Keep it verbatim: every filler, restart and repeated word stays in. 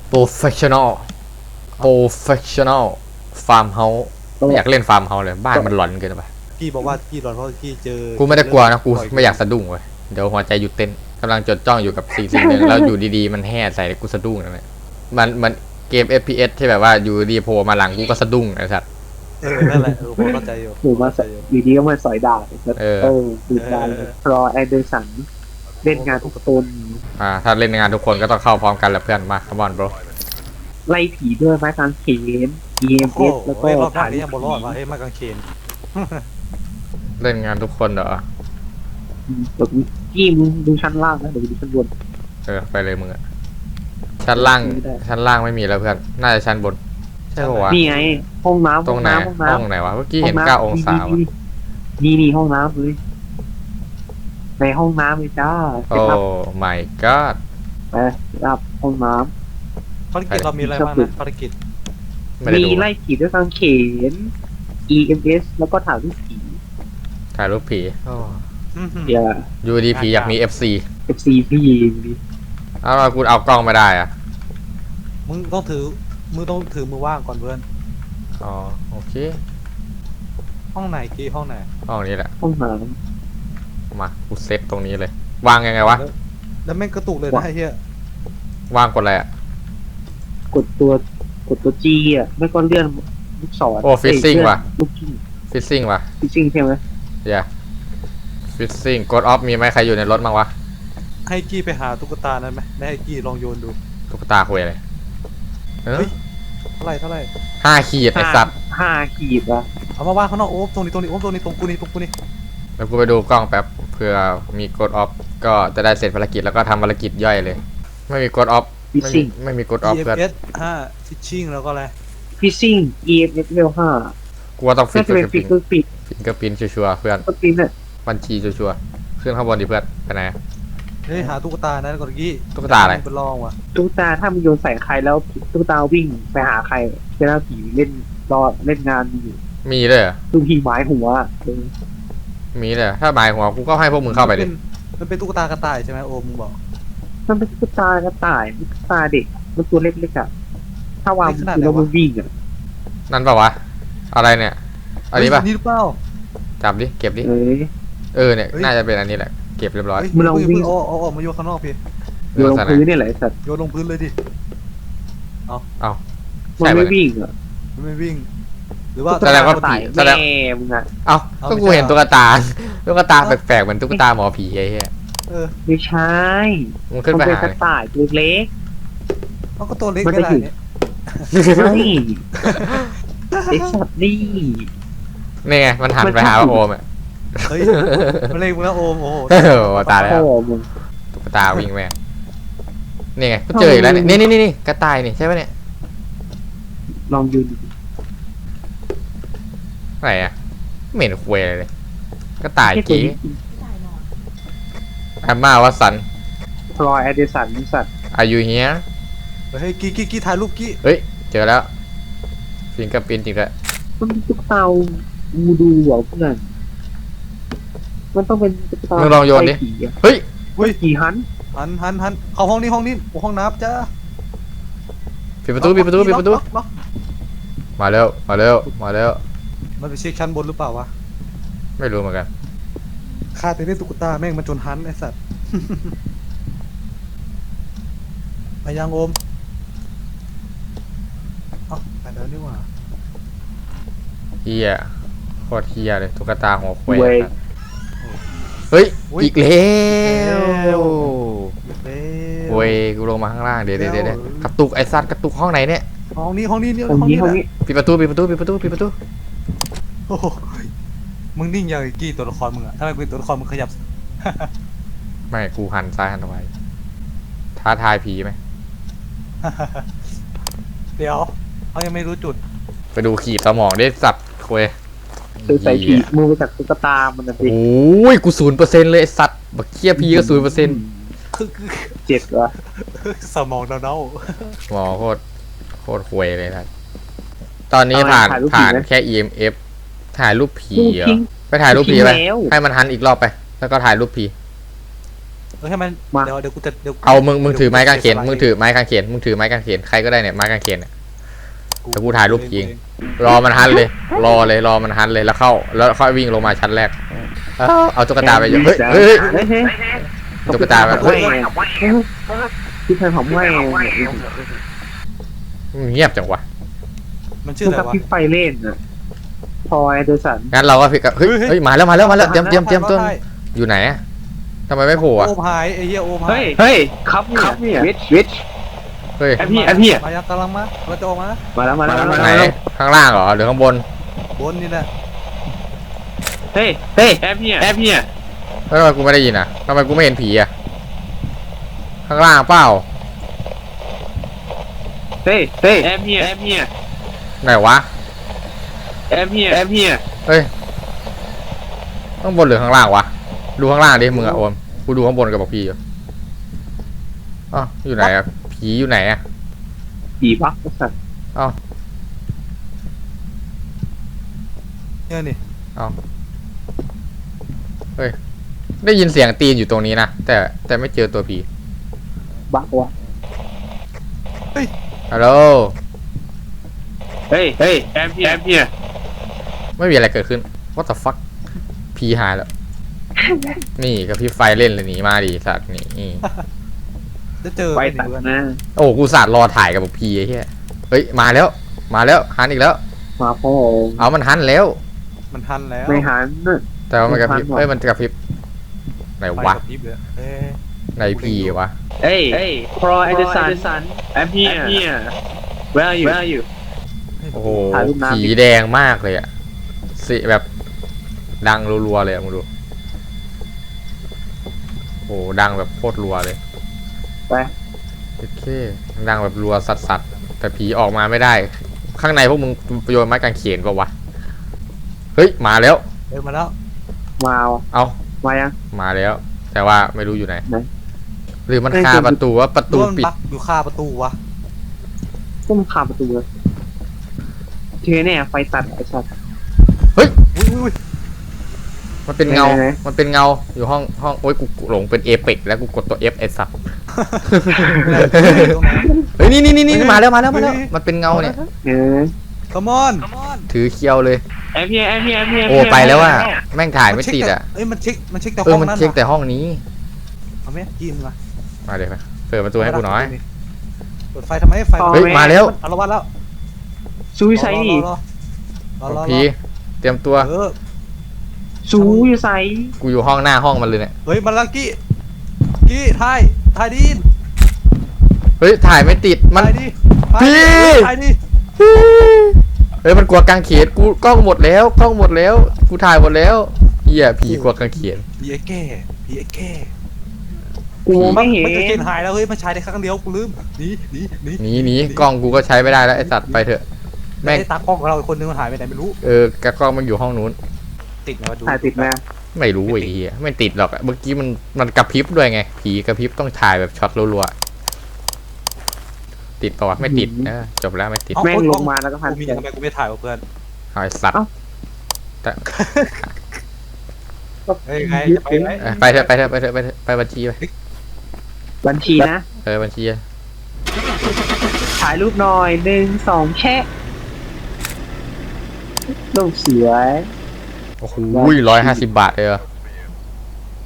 professional professional farm house ไม่อยากเล่นฟาร์มเฮาส์เลยบ้านมันหลอนเกินไปกี้บอกว่ากี้หลอนเพราะกี้เจอกูไม่ได้กลัวนะกูไม่อยากสะดุ้งเว้ยเดี๋ยวหัวใจหยุดเต้นกำลังจดจ้องอยู่กับสิ่งสิ่งหนึ่งแล้วอยู่ดีๆมันแห่ใส่กูสะดุ้งนะเนี่ยมันมันเกม เอฟ พี เอส ที่แบบว่าอยู่ดีโผล่มาหลังกูก็สะดุ้งไอ้สัสเออนั่นแหละเออผมเข้าใจอยู่หรือมาอยู่ดีก็มาสอยดาบเออเออดูการรอแอนเดอร์สันเล่นงานทุกคนอ่าถ้าเล่นงานทุกคนก็ต้องเข้าพร้อมกันแหละเพื่อนมาคัมอนโบรไล่ผีด้วยไม้กางเขน อี เอ็ม เอส แล้วก็ถ่ายนี้ยังบอลรอดว่ะเฮ้ยไม้กางเขนเล่นงานทุกคนเหรอเดี๋ยวกี้มึงดูชั้นล่างนะเดี๋ยวดูชั้นบนเออไปเลยมึงอะชั้นล่างชั้นล่างไม่มีแล้วเพื่อนน่าจะชั้นบนใช่ปะวะนี่ไงห้องน้ำตรงไหนห้องไหนวะเมื่อกี้เห็นเก้าองศาวะนี่นี่ห้องน้ำเลยในห้องน้ำเลยจ้าโอ้ my god ไปรับห้องน้ำภารกิจเรามีอะไรบ้างนะภารกิจมีไล่ผีด้วยกางเขน อี เอ็ม เอส แล้วก็ถ่ายรูปผีถ่ายรูปผีอย่ายูดีผีอยากมี เอฟ ซีเอฟ ซี พี่ดิเอาเราคุณเอากล้องไม่ได้อะมึงต้องถือมึงต้องถือมือว่างก่อนเพื่อนอ๋อโอเคห้องไหนกี้ห้องไหนห้องนี้แหละห้องน้ำมากูเซตตรงนี้เลยวางยังไงวะแล้วแม่งกระตุกเลยนะไอ้เหี้ยวางกดอะไรอะกดตัวกดตัวจีอ่ะไม่ก็เลื่อนลูกศรโอ้ฟิซซิ่งว่ะลูกจิ้งฟิซซิ่งว่ะฟิซซิ่งใช่ไหมเดี๋ยวฟิซซิ่งกดออฟมีไหมใครอยู่ในรถมั้งวะให้กี้ไปหาตุ๊กตานั้นไหมได้ให้กี้ลองโยนดูตุ๊กตาคุยอะไรเฮ้ยเท่าไรเท่าไรห้าขีดไอ้สัตว์ห้าขีดอะเอามาว่างข้างนอกโอ้ตรงนี้ตรงนี้โอ้ตรงนี้ตรงกูนี่ตรงกูนี่แล้วกูไปดูกล้องแป๊บเผื่อมีกดออฟก็จะได้เสร็จภารกิจแล้วก็ทำภารกิจย่อยเลยไม่มีกดออฟไม่ไม่มีกดออฟเพื่อนอี เอ็ม เอส ห้าฟิชชิ่งแล้วก็อะไรฟิชชิ่ง อี เอ็ม เอส เลเวลห้ากูว่าต้องฟิชก็ฟิชก็ฟิชฟิชก็ปินชัวร์เพื่อนก็ปินเนี่ยบัญชีชัวร์ขึ้นข้างบนดิเพื่อนไปไหนเฮ้ยหาตุ๊กตานั้นก่อนกี้ตุ๊กตาอะไรเป็นลองว่ะตุ๊กตาถ้ามันโยนใส่ใครแล้วตุ๊กตาวิ่งไปหาใครเจ้าผีเล่นรอเล่นงานอยู่มีเลยตุ๊กผีหมายหัวมีเลยถ้าหมายหัวกูก็ให้พวกมึงเข้าไปดิมันเป็นตุ๊กตากระต่ายใช่ไหมโอมมึงบอกมันเป็นตุ๊กตากระต่ายตุ๊กตาเด็กมันตัวเล็กๆอ่ะถ้าวางแล้วมันวิ่งอ่ะนั่นเปล่าวะอะไรเนี่ยอันนี้ป่ะนี่หรือเปล่าจับดิเก็บดิเออเนี่ยน่าจะเป็นอันนี้แหละเก็บเรียบร้อยมึงลองวิ่งเอาเอาออกมาโยนข้างนอกพี่โยนลงพื้นนี่แหละสัตว์โยนลงพื้นเลยดิเอาเอามันไม่วิ่งอ่ะมันไม่วิ่งหรือว่าแสดงว่าผีแสดงมึงอ่ะเอาก็กูเห็นตุ๊กตาตุ๊กตาแปลกๆเหมือนตุ๊กตาหมอผีไอ้เหี้ยเออไม่ใช่มันขึ้นไปหากระต่ายตัวเล็กมันก็ตัวเล็กก็ได้เนี่ยใช่ไอ้สัตว์นี่นี่ไงมันหันไปหาโอมอ่ะเฮ้ยมันเล็กมึงแล้วโอมโอ้โหตาแล้วตุ๊กตาวิ่งแม่นี่ไงก็เจออีกแล้วเนี่ยนี่นี่นี่กระต่ายนี่ใช่ไหมเนี่ยลองยืนไหนอะเหม็นคุยเลยกระต่ายกี้แอมมาวัสันพลอยแอดเดสันสัตว์อายุเฮียเฮ้ยกี้กี้กี้ถ่ายรูปกี้เฮ้ยเจอแล้วฟิงกับปินจริงด้วยมันตุ๊กตาวูดูเหรอเพื่อนมันต้องเป็นตุ๊กตามึงลองโยนดิเฮ้ยเฮ้ยกี่หันหันหันหันเข้าห้องนี้ห้องนี้ห้องน้ำจ้าปิดประตูปิดประตูปิดประตูมาเร็วมาเร็วมาเร็วมันไปเช็คชั้นบนหรือเปล่าวะไม่รู้เหมือนกันข้าแต่เล่นตุ๊กตาแม่งมันจนหันไอ้สัตว์ไปยังโอมเอ้าไปแล้วนี่หว่าเฮียโคตรเฮียเลยตุ๊กตาหัวควายเฮ้ยอีกแล้วเว้ยกูลงมาข้างล่างเดี๋ยวเดี๋ยวเดี๋ยวกระตุกไอ้สัตว์กระตุกห้องไหนเนี่ยห้องนี้ห้องนี้นี่ห้องนี้ห้องนี้ปิดประตูปิดประตูปิดประตูปิดประตูโอ้มึงนิ่งอย่างกี่ตัวละครมึงอะถ้าเป็นตัวละครมึงขยับไม่กูหันซ้ายหันขวาท้าทายผีไหมเดี๋ยวเขายังไม่รู้จุดไปดูขีดสมองได้สัตว์คุยใส่ขีดมือไปจากตุ๊กตามันนะสิโอ้ยกูศูนย์เปอร์เซ็นต์เลยสัตว์บักเคี้ยพีก็ศูนย์เปอร์เซ็นต์เจ็บวะสมองเน่าหมอโคตรโคตรคุยเลยนะตอนนี้ผ่านผ่านแค่ อี เอ็ม เอฟ ถ่ายรูปผีเหรอไปถ่ายรูปผีไปให้มันหันอีกรอบไปแล้วก็ถ่ายรูปผีเออให้มันมาเดี๋ยวเดี๋ยวกูจะเดี๋ยวเอามึงมึงถือไม้กางเขนมึงถือไม้กางเขนมึงถือไม้กางเขนใครก็ได้เนี่ยไม้กางเขนเนี่ย เดี๋ยวกูถ่ายรูปจริง รอมันฮันเลย รอเลยรอมันฮันเลยแล้วเข้า แล้วค่อยวิ่งลงมาชั้นแรกเอาเอาตุ๊กตาไปเยอะเฮ้ยเฮ้ยเฮ้ยเฮ้ยตุ๊กตาไปเฮ้เฮ้ยยพี่ชายผมไม่เงียบจังวะมันชื่ชื่อออะไรกับวะพี่ไฟเล่นอะพอแอนเดอร์สันงั้นเราก็พิกเฮ้ยเฮ้ยมาแล้วมาแล้วมาแล้วเตรียมเตรียมเตรียมต้นอยู่ไหนอะทำไมไม่โผล่อะโอมหายไอ้เหี้ยโอมหาเฮ้ยยเฮ้ยครับครับเนี่ยวิชวิชเฮ้ยแอปพี่แอปพี่มายังกำลังมาเราจะออกมามาแล้วมาแล้วมาไหนแล้วข้างล่างเหรอหรือข้างบนบนนี่แหละเฮ้ยเฮ้ยแอปพี่แอปพี่แล้วทำไมกูไม่ได้ยินอะทำไมกูไม่เห็นผีอะข้างล่างเปล่าเฮ้ยเฮ้ยแอปพี่แอปพี่ไหนวะแอปพี่แอปพี่เฮ้ยข้างบนหรือข้างล่างวะดูข้างล่างดิมึงอะโอมกูดูข้างบนกับบอกพี่อยู่อ๋ออยู่ไหนอะผีอยู่ไหนอะผีบักสัตว์อ๋อเนี่ยนี่ได้ยินเสียงตีนอยู่ตรงนี้นะแต่แต่ไม่เจอตัวผีบักวะฮัลโหลเฮ้ยเฮ้ยแอปพี่แอปพี่ไม่มีอะไรเกิดขึ้น what the fuck ผีหายแล้ว นี่กับพี่ไฟเล่นเลยหนีมาดิสัตว์นี่จะเจอไฟไอ้ตัดเพื่อนนะโอ้กูสัตว์รอถ่ายกับบอกพีไอ้เหี้ยเฮ้ยมาแล้ว มาแล้วหันอีกแล้วมาพ่อเอามันหันแล้วมันทันแล้วไม่หันน่ะแต่ว่ามันกระพริบมันหันเหรอเฮ้ยมันกระพริบไหนไฟวะกับพริบเลยเอ้ยไหนพีวะเฮ้ยเฮ้ย Pro Anderson แอปพี่แอปพี่ Where are you Where are you โอ้โหถ่ายรูปน้ำดิผีแดงมากเลยอะสิแบบดังรัวๆเลยอะมึงดูโอ้โหดังแบบโคตรรัวเลยไปโอเคดังแบบรัวสัสๆแต่ผีออกมาไม่ได้ ข้างในพวกมึงโยนไม้กางเขนปะวะเฮ้ยมาแล้วเดินมาแล้วมาว่ะเอามายังมาแล้ว แต่ว่าไม่รู้อยู่ไหนไหนหรือมันเอ้ยคาคือประตูว่าประตูร่วมปิดบักอยู่คาประตูวะก็มันคาประตูเลยเทเนี่ยไฟตัดไอ้สัตว์อุ้ยอุ้ยอุ้ยมันเป็นเงาไหนไหนมันเป็นเงาอยู่ห้องห้องโอ้ยกูกูหลงเป็นเอเปกแล้วกูกดตัว F ไอ้สัตว์ตรงไหนเฮ้ยนี่นี่นี่นี่เฮ้ยมาแล้วมาแล้วมาแล้วเฮ้ยมันเป็นเงาเนี่ยเออ come on come on ถือเคียวเลยแอปพี่แอปพี่แอปพี่โอ้ไปแล้วอ่ะแม่งถ่ายไม่ติดอ่ะเอ้ยมันเช็คมันเช็คแต่เอห้อองมันนั้นเช็คแต่ห้องนี้เอาไหมกินมามาเดี๋ยวมาเปิดประตูให้กูหน่อยเปิดไฟทำไมไฟเฮ้ยมาแล้วอารวาสแล้วซูไซนี่รอรอรอรอพีเตรียมตัวเออซูอยู่ไซกูอยู่ห้องหน้าห้องมันเลยเนี่ยเฮ้ยมาลังกี้กี้ถ่ายถ่ายดีเฮ้ยถ่ายไม่ติดมันถ่ายดีพี่ถ่ายดีเฮ้ยมันกลัวกางเขนกูกล้องหมดแล้วกล้องหมดแล้ว กูถ่ายหมดแล้วเหี้ยผีกลัวกางเขนผีไอ้แก่ผีไอ้แก่กูไม่เห็นมันจะเกณฑ์หายแล้วเฮ้ยมันใช้ได้ครั้งเดียวกูลืมหนีหนีหนีหนีหนีกล้องกูก็ใช้ไม่ได้แล้วไอ้สัตว์ไปเถอะแม่แม่งตากล้องของเราอีกคนนึงมันหายไปไหนไม่รู้เออกระกล้องมันอยู่ห้องนู้นติดไหมวะดูถ่ายติดไหมไม่รู้ไอ้เหี้ยไม่ติดหรอกอะเมื่อกี้มันมันกระพริบด้วยไง ผีกระพริบต้องถ่ายแบบช็อตรัวๆติดปะวะไม่ติดเออจบแล้วไม่ติดแม่งลงมาแล้วก็พันกูมีเสียงทำไมกูไม่ถ่ายวะเพื่อนเอาไอ้สัตว์เอ้าแต่เฮ้ยไงจะไปไหมเออไปเถอะไปเถอะไปเถอะไปเถอะไปบัญชีไปบัญชีนะเออบัญชีอะถ่ายรูปหน่อยหนึ่งสองแชะรูปสวยโอ้โหร้อยห้าสิบบาทเลยเหรอ